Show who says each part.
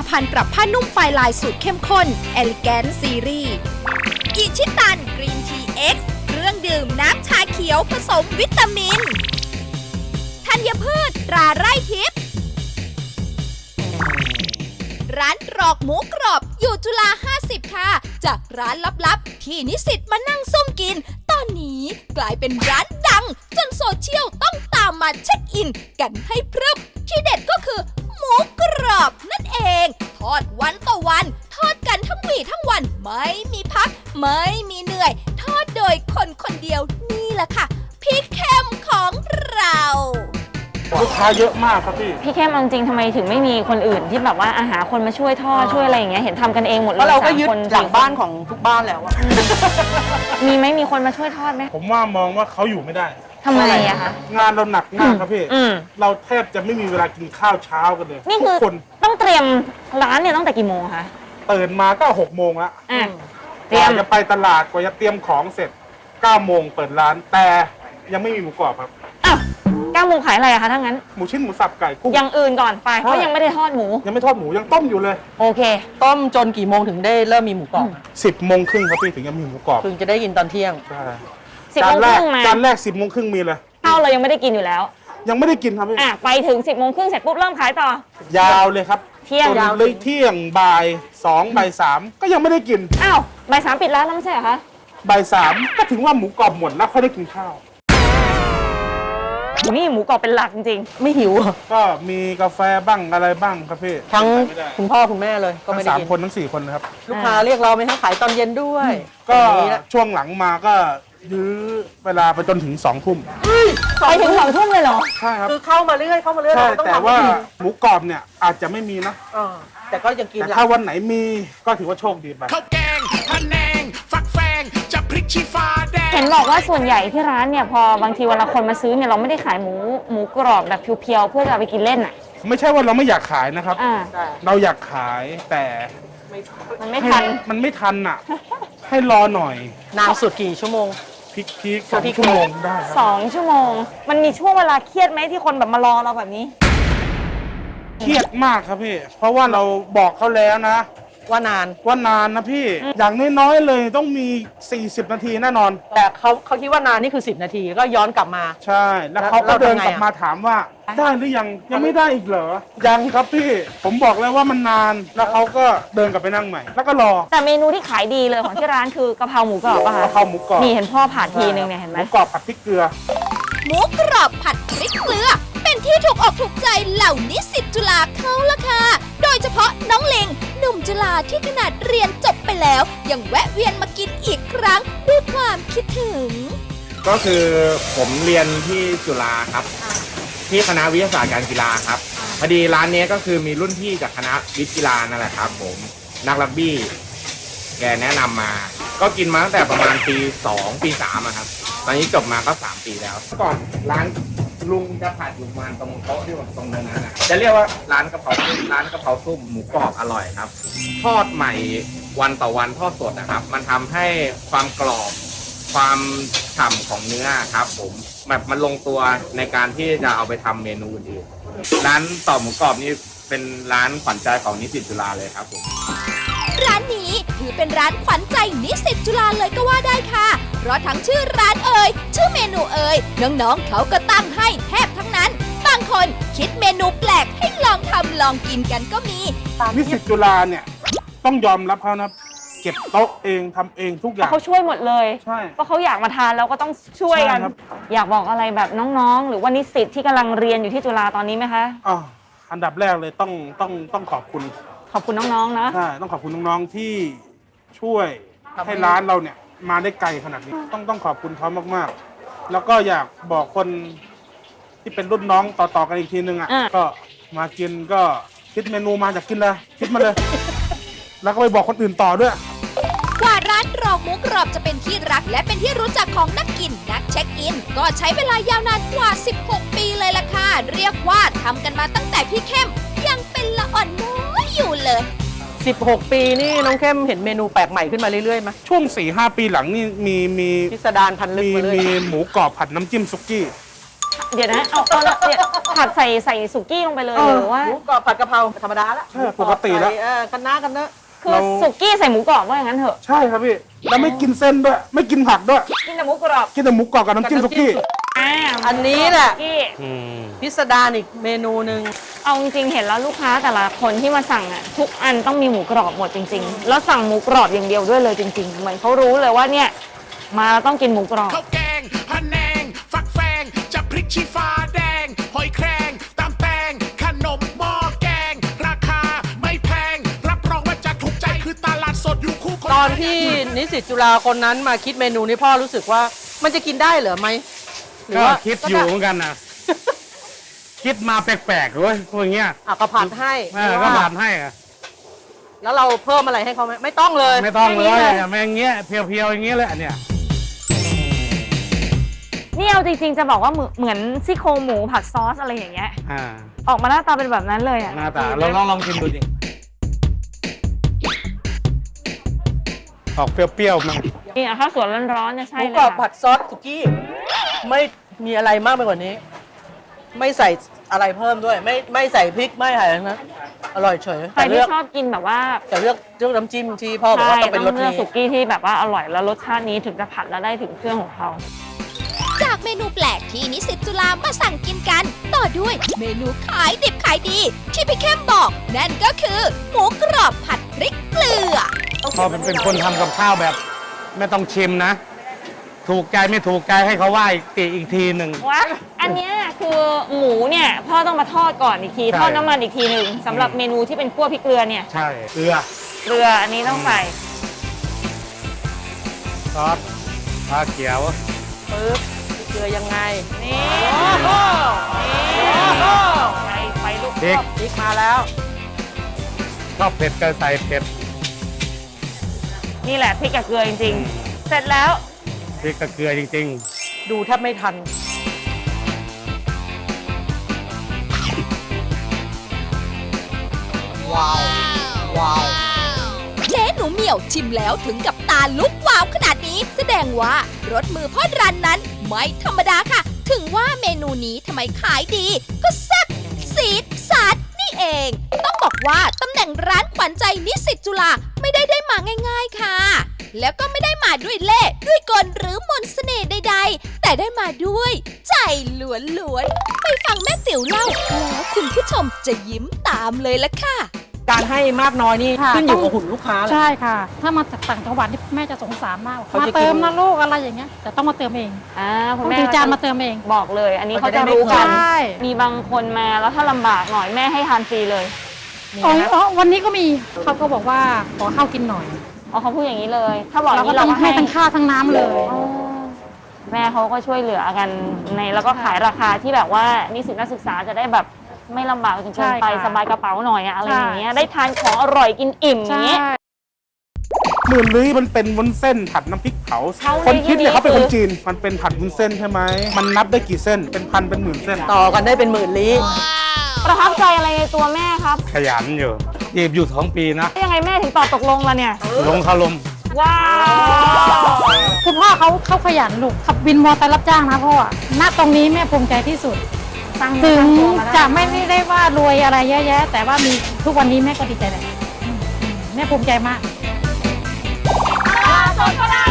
Speaker 1: ภัณฑ์ปรับผ้านุ่มไฟลายสูตรเข้มข้น Elegant Series อิชิตันกรีนทีเอ็กซ์เครื่องดื่มน้ำชาเขียวผสมวิตามินธัญพืชตราไร่ทิพย์ร้านตรอกหมูกรอบอยู่จุฬา50 ค่ะ จากร้านลับๆที่นิสิตมานั่งซุ่มกิน ตอนนี้กลายเป็นร้านดังจนโซเชียลต้องตามมาเช็คอินกันให้พรึบที่เด็ดก็คือหมูกรอบนั่นเอง ทอดวันต่อวัน ทอดกันทั้งวี่ทั้งวันไม่มีพัก ไม่มีเหนื่อย ทอดโดยคนคนเดียวนี่แหละค่ะพี่เข้มของเรา
Speaker 2: ลูกค้าเยอะมากครับพี่
Speaker 3: พี่เข้มเอาจริงทำไมถึงไม่มีคนอื่นที่แบบว่าหาคนมาช่วยทอดช่วยอะไรอย่างเงี้ยเห็นทำกันเองหมดเลย
Speaker 4: เพราะเราก็ยึด
Speaker 3: 3 คน
Speaker 4: หลังบ้านของทุกบ้านแล้วอะ
Speaker 3: มีไหมมีคนมาช่วยทอดไหม
Speaker 2: ผมว่ามองว่าเขาอยู่ไม่ได้
Speaker 3: ทำไมอะคะ
Speaker 2: งานเราหนักมากครับพี่
Speaker 3: อืม
Speaker 2: เราแทบจะไม่มีเวลากินข้าวเช้ากันเลย
Speaker 3: นี่คือ
Speaker 2: ทุกคน
Speaker 3: ต้องเตรียมร้านเนี่ยตั้งแต่กี่โมงคะ
Speaker 2: ตื่นมาก็6 โมงแล้ว
Speaker 3: อ่ะ
Speaker 2: ก
Speaker 3: เตรีย
Speaker 2: ว่าม จะไปตลาดกว่าจะเตรียมของเสร็จ9 โมงเปิดร้าน แต่ยังไม่มีหมูกรอบครับ
Speaker 3: อ้าว9 โมงขายอะไรอะคะถ้างั้น
Speaker 2: หมูชิ้นหมูสับไก่กุ้ง
Speaker 3: อย่างอื่นก่อนไปเพราะยังไม่ได้ทอดหมู
Speaker 2: ยังไม่ทอดหมูยังต้มอยู่เลย
Speaker 3: โอเค
Speaker 4: ต้มจนกี่โมงถึงได้เริ่มมีหมูกรอบ
Speaker 2: 10 โมงครึ่งครับพี่ถึงจะมีหมูกรอบ
Speaker 4: ถึงจะได้กินตอนเที่ยง
Speaker 2: ใช่
Speaker 3: 10 โมงครึ่งมา
Speaker 2: จานแรก10 โมงครึ่งมีเลย
Speaker 3: ข้าวเรายังไม่ได้กินอยู่แล้ว
Speaker 2: ยังไม่ได้กินครับพี่
Speaker 3: อ่ะไปถึง 10 โมงครึ่งเสร็จปุ๊บเริ่มขายต่อ
Speaker 2: ยาวเลยครับ
Speaker 3: เที่ยง
Speaker 2: จนเลยเที่ยงบ่าย2บ่าย3ก็ยังไม่ได้กิน
Speaker 3: อ้าวบ่าย 3ปิดร้านแล้วไม่ใช่เหรอคะ
Speaker 2: บ่าย3ก็ถึงว่าหมูกรอบหมดแล้วค่อยได้กินข้าว
Speaker 3: นี่หมูกรอบเป็นหลักจริง
Speaker 4: ไม่หิวเหรอ
Speaker 2: ก็มีกาแฟบ้างอะไรบ้างครับพี่
Speaker 4: ทั้ง
Speaker 2: ไม่ได้
Speaker 4: คุณพ่อคุณแม่เลยก็
Speaker 2: ทั้
Speaker 4: ไม่
Speaker 2: ง
Speaker 4: ได้
Speaker 2: สาม
Speaker 4: กิน
Speaker 2: คนทั้ง4 คนนะครับ
Speaker 4: ลูกค้าเรียกเราไหมคะขายตอนเย็นด้วย
Speaker 2: ก็
Speaker 4: อย่างนี้ละ
Speaker 2: ช่วงหลังมาก็ยื้อเวลาไปจนถึง2 ทุ่ม
Speaker 3: ๆไปถึง2 ทุ่มเลยเหรอ
Speaker 2: ใช่ครับ
Speaker 4: คือเข้ามาเรื่อยเข้ามาเรื่อย
Speaker 2: ใช่
Speaker 4: เราต้อง
Speaker 2: แต่
Speaker 4: ทำ
Speaker 2: ว่า
Speaker 4: ให้ดี
Speaker 2: หมูกรอบเนี่ยอาจจะไม่มีนะ
Speaker 4: แต่ก็ยังกิน
Speaker 2: แต่
Speaker 4: ละ
Speaker 2: ถ้าวันไหนมีก็ถือว่าโชคดีไป
Speaker 5: ข้าวแกงพะแนง ฟักแฟง จะพริกชี้ฟ้าแดง
Speaker 3: เห็นบอกว่าส่วนใหญ่ที่ร้านเนี่ยพอบางทีเวลาคนมาซื้อเนี่ยเราไม่ได้ขายหมูกรอบแบบเพียวๆเพื่อจะเอาไปกินเล่นอ่ะ
Speaker 2: ไม่ใช่ว่าเราไม่อยากขายนะครับ
Speaker 3: อ่า
Speaker 2: เราอยากขายแต่
Speaker 3: มันไม่ทัน
Speaker 2: มันไม่ทันอ่ะ ให้รอหน่อย
Speaker 4: นานสุดกี่ชั่วโมง
Speaker 2: พีค2 ชั่วโมงได้ครับ
Speaker 3: 2 ชั่วโมง มันมีช่วงเวลาเครียดไหมที่คนแบบมารอเราแบบนี้
Speaker 2: เครียดมากครับพี่ เพราะว่าเราบอกเขาแล้วนะ
Speaker 4: ว่านาน
Speaker 2: ว่านานนะพี่ อย่างน้อยๆเลยต้องมี 40 นาทีแน่นอน
Speaker 4: แต่เขาคิดว่านานนี่คือ10 นาทีก็ย้อนกลับมา
Speaker 2: ใช่ แล้วเขาก็
Speaker 4: แล้ว
Speaker 2: เดิน
Speaker 4: ทำไง
Speaker 2: กลับ
Speaker 4: อะ
Speaker 2: มาถามว่า ได้หรือยัง ยังไม่ได้อีกเหรอ ยังครับพี่ ผมบอกแล้วว่ามันนาน แล้วเขาก็เดินกลับไปนั่งใหม่ แล้วก็รอ
Speaker 3: แต่เมนูที่ขายดีเลยของที่ร้านคือกะเพราหมูกรอบป่ะคะ
Speaker 2: กะเพราหมูกรอบ
Speaker 3: นี่เห็นพ่อผ่าทีนึงเนี่ยเห็น
Speaker 2: ห
Speaker 3: ไหม
Speaker 2: มูกรอบผัดพริกเกลือ
Speaker 1: หมูกรอบผัดพริกเกลือ เป็นที่ถูกอกถูกใจเหล่านิสิตจุฬาเขาละค่ะ โดยเฉพาะน้องเลงหนุ่มจุฬาที่ขนาดเรียนจบไปแล้ว ยังแวะเวียนมากินอีกครั้งด้วยความคิดถึง
Speaker 6: ก็คือผมเรียนที่จุฬาครับ ที่คณะวิทยาศาสตร์การกีฬาครับพอดีร้านนี้ก็คือมีรุ่นพี่จากคณะวิทย์กีฬานั่นแหละครับ ผมนักรักบี้แกแนะนำมา ก็กินมาตั้งแต่ประมาณปี 2 ปี 3อะครับ ตอนนี้จบมาก็ 3 ปีแล้วก่อนร้านลุงจะผัดอยู่ประมาณตรงโต๊ะที่ผมตรงนั้นนะจะเรียกว่าร้านกะเพราซุ่มร้านกะเพราซุ่มหมูกรอบอร่อยครับ ทอดใหม่วันต่อวันทอดสดนะครับ มันทำให้ความกรอบ ความฉ่ำของเนื้อครับผมแบบมันลงตัวในการที่จะเอาไปทำเมนูอื่นร้านต่อหมูกรอบนี่เป็นร้านขวัญใจของนิสิตจุฬาเลยครับผม
Speaker 1: ร้านนี้ถือเป็นร้านขวัญใจนิสิตจุฬาเลยก็ว่าได้ค่ะ เพราะทั้งชื่อร้านชื่อเมนูน้องๆเขาก็ตั้งให้แทบทั้งนั้น บางคนคิดเมนูแปลกให้ลองทำลองกินกันก็มี
Speaker 2: นิสิตจุฬาเนี่ยต้องยอมรับเขานะ เก็บโต๊ะเองทำเองทุกอย่าง
Speaker 3: เขาช่วยหมดเลย
Speaker 2: ใช่
Speaker 3: เพราะเขาอยากมาทานแล้วก็ต้องช่วยกัน
Speaker 2: ใช่ครับ
Speaker 3: อยากบอกอะไรแบบน้องๆ หรือว่านิสิตที่กำลังเรียนอยู่ที่จุฬาตอนนี้ไหมคะ
Speaker 2: อ่ะอันดับแรกเลยต้องขอบคุณ
Speaker 3: ขอบคุณน้องๆนะ
Speaker 2: ใช่ ต้องขอบคุณน้องๆที่ช่วย
Speaker 4: ทำให้
Speaker 2: ให้ร้านเราเนี่ยมาได้ไกลขนาดนี้ ต้องขอบคุณเขามากๆ แล้วก็อยากบอกคนที่เป็นรุ่นน้องต่อๆกันอีกทีนึงอ่ะ ก็มากินก็คิดเมนูมาจากกินเลยคิดมาเลย แล้วก็ไปบอกคนอื่นต่อด้วย
Speaker 1: กว่าร้านตรอกหมูกรอบจะเป็นที่รักและเป็นที่รู้จักของนักกินนักเช็คอิน ก็ใช้เวลายาวนานกว่า 16 ปีเลยล่ะค่ะ เรียกว่าทำกันมาตั้งแต่พี่เข้มยังเป็นละอ่อนน้อยอยู่เลย
Speaker 4: 16 ปีนี่น้องเข้มเห็นเมนูแปลกใหม่ขึ้นมาเรื่อยๆไหม
Speaker 2: ช่วง 4-5 ปีหลังนี่มี
Speaker 4: พิสดารพันลึกมาเลย
Speaker 2: มีหมูกรอบผัดน้ำจิ้มซุกี้
Speaker 3: เดี๋ยวนะเอาละเนี่ยผัดใส่สุกี้ลงไปเลยหรือว่า
Speaker 4: หมูกรอบผัดกะเพราธรรมดาละ
Speaker 2: ใช่ปกติแล้ว
Speaker 4: คะน้ากันเนอะ
Speaker 3: คือสุกี้ใส่หมูกรอบว่าอย่างนั้นเถอะ
Speaker 2: ใช่ครับพี่แล้วไม่กินเส้นด้วย ไม่กินผักด้วย
Speaker 3: กินแต่หมูกรอบ
Speaker 2: กินแต่หมูกรอบกับน้ำจิ้มสุกี้
Speaker 4: อันนี้แหละ
Speaker 3: สุกี้
Speaker 4: พิสดารอีกเมนูหนึ่ง
Speaker 3: เอาจริงๆเห็นแล้วลูกค้าแต่ละคนที่มาสั่งอ่ะทุกอันต้องมีหมูกรอบหมดจริงๆแล้วสั่งหมูกรอบอย่างเดียวด้วยเลยจริงๆเหมือนเขารู้เลยว่าเนี่ยมาแล้วต้องกินหมูกรอบ
Speaker 5: ข้าวแกงพะแนง ฟักแฟงจะพริกชี้ฟ้าแดง หอยแครงตำแตงขนมหม้อแกง ราคาไม่แพง รับรองว่าจะถูกใจคือตลาดสดอยู่คู่คน
Speaker 4: ตอนที่นิสิตจุฬาคนนั้นมาคิดเมนูนี้พ่อรู้สึกว่ามันจะกินได้เหรอไหมหรือ
Speaker 7: ก็
Speaker 4: ว่า
Speaker 7: คิดอยู่เหมือนกันนะ คิดมาแปลกๆเว้ยพวกเงี้ย
Speaker 4: ก็ผัดให้
Speaker 7: ก็ผ่านให้อะ
Speaker 4: แล้วเราเพิ่มอะไรให้เขาไหมไม่ต้องเลย
Speaker 7: ไม่ต้องเลย
Speaker 3: แค่นี้เลย
Speaker 7: แม่งเงี้ยเพียวๆอย่างเงี้ยเลยอันเนี้ย
Speaker 3: นี่เอาจริงๆจะบอกว่าเหมือนซี่โครงหมูผัดซอสอะไรอย่างเงี้ย
Speaker 7: อ่า
Speaker 3: ออกมาหน้าตาเป็นแบบนั้นเลยอ่ะ
Speaker 7: หน้าตาลองชิมดูดิออกเปรี้ยวๆมา
Speaker 3: นี่อ่ะข้าวสวยร้อนๆเนี่ย
Speaker 4: ห
Speaker 3: ใช่
Speaker 4: มู
Speaker 3: เลย
Speaker 4: กรอบ
Speaker 3: ค่ะ
Speaker 4: ผัดซอสสุกี้ไม่มีอะไรมากไปกว่านี้ ไม่ใส่อะไรเพิ่มด้วย ไม่ใส่พริกไม่อะไรนะอร่อยเฉย
Speaker 3: ใครที่ชอบกินแบบว่า
Speaker 4: แต่เลือกน้ำจิ้มที่พ่อบอกว่าต้องเป็นรส
Speaker 3: เลือก
Speaker 4: นี้
Speaker 3: สุกี้ที่แบบว่าอร่อยแล้วรสชาตินี้ถึงจะผัดแล้วได้ถึงเครื่องของเขา
Speaker 1: จากเมนูแปลกที่นิสิตจุฬามาสั่งกินกัน ต่อด้วยเมนูขายดิบขายดี ที่พี่เข้มบอกนั่นก็คือหมูกรอบผัดพริกเกลือ
Speaker 7: พอเป็นคนทำกับข้าวแบบ ไม่ต้องชิมนะ ถูกใจไม่ถูกใจให้เขาว่าอีกทีหนึ่ง
Speaker 3: ว่าอันเนี้ยคือหมูเนี่ยพ่อต้องมาทอดก่อนอีกที
Speaker 7: ใช่
Speaker 3: ทอดน้ำมันอีกทีหนึ่งสำหรับเมนูที่เป็นคั่วพริกเกลือเนี่ย
Speaker 7: ใช่เกลือ
Speaker 3: เกลืออันนี้ต้องใส่
Speaker 7: ซอสปลาเขียว
Speaker 4: ปึ๊บเกลือยังไง
Speaker 3: นี่
Speaker 4: โอ้
Speaker 3: ไปลูก
Speaker 7: พริก
Speaker 4: พริกมาแล้ว
Speaker 7: ชอบเผ็ดก็ใส่เผ็ด
Speaker 3: นี่แหละพริกกับเกลือจริงๆ เสร็จแล้ว
Speaker 7: พริกกับเกลือจริง
Speaker 4: ดูแทบไม่ทัน
Speaker 1: เจ๊หนูเหมี่ยวชิมแล้วถึงกับตาลุกวาวขนาดนี้ แสดงว่ารสมือพ่อรันนั้นไม่ธรรมดาค่ะ ถึงว่าเมนูนี้ทำไมขายดี ก็แซ่บซีดสัดนี่เอง ต้องบอกว่าตำแหน่งร้านขวัญใจนิสิตจุฬาไม่ได้มาง่าย ๆค่ะ แล้วก็ไม่ได้มาด้วยเล่ห์ด้วยกลหรือมนต์เสน่ห์ใดๆ แต่ได้มาด้วยใจล้วนๆไปฟังแม่ติ๋วเล่าแล้วคุณผู้ชมจะยิ้มตามเลยละค่ะ
Speaker 4: การให้มากน้อยนี่
Speaker 8: ค่ะ
Speaker 4: ขึ้นอยู่กับหุ่นลูกค้าแหละ
Speaker 8: ใช่ค่ะ ถ้ามาจากต่างจังหวัดนี่แม่จะสงสารมาก
Speaker 4: เขา
Speaker 8: มา
Speaker 4: จะกิน
Speaker 8: เติมนะลูกอะไรอย่างเงี้ยแต่ต้องมาเติมเอง
Speaker 3: คุ
Speaker 8: ต้
Speaker 3: ณ
Speaker 8: อง
Speaker 3: แม่
Speaker 8: ถือจานมาเติมเอง
Speaker 3: บอกเลย อันนี้เขา
Speaker 4: เขาจะ
Speaker 3: จะ
Speaker 4: ได้
Speaker 3: รู้กัน
Speaker 8: ใช่
Speaker 3: มีบางคนมาแล้วถ้าลำบากหน่อยแม่ให้ทานฟรีเลย
Speaker 8: อ๋อวันนี้ก็มีเขาก็บอกว่าขอข้าวกินหน่อย
Speaker 3: อ๋อเขาพูดอย่างนี้เลย ถ้าบอกอ
Speaker 8: เรา
Speaker 3: ย่าง
Speaker 8: ก็
Speaker 3: นี้
Speaker 8: ต้
Speaker 3: เรา
Speaker 8: อง
Speaker 3: ก็
Speaker 8: ให้
Speaker 3: ให้
Speaker 8: ทั้งข้าวทั้งน้ำเลย
Speaker 3: อ๋อแม่เขาก็ช่วยเหลือกันในแล้วก็ขายราคาที่แบบว่านิสิตนักศึกษาจะได้แบบไม่ลำบากจนเกินไป
Speaker 8: ใช่ค่ะ
Speaker 3: สบายกระเป๋าหน่อยอะอะไร
Speaker 8: ใช่
Speaker 3: อย่างเงี้ยได้ทานของอร่อยกินอิ่มอ
Speaker 8: ใช่
Speaker 3: ย่างเงี้ย
Speaker 2: หมื่นลี้มันเป็นวุ้นเส้นผัดน้ำพริกเผา
Speaker 3: เขา
Speaker 2: คนคิดเนี่ย
Speaker 3: ในที่นี้
Speaker 2: เขาเป็นคน
Speaker 3: คือ
Speaker 2: จีน มันเป็นผัดวุ้นเส้นใช่ไหม มันนับได้กี่เส้น เป็นพันเป็นหมื่นเส้น
Speaker 4: ต่อกันได้เป็นหมื่นลี้
Speaker 3: ประทับใจอะไรในตัวแม่ครับ
Speaker 7: ๆ ขยันอยู่จีบอยู่2 ปีนะ
Speaker 3: ยังไงแม่ถึงตอบตกลงล่ะเนี่ย
Speaker 7: ลงคารม
Speaker 3: ว้าว
Speaker 8: คุณพ่อเขาขยันลูกขับวินมอเตอร์รับจ้างนะพ่อณตรงนี้แม่ภูมิใจที่สุด ถึงจะไม่ได้ว่ารวยอะไรเยอะแยะ แต่ว่ามีทุกวันนี้แม่ก็ดีใจแหละแม่ภูมิใจมาก
Speaker 3: สดก็ได้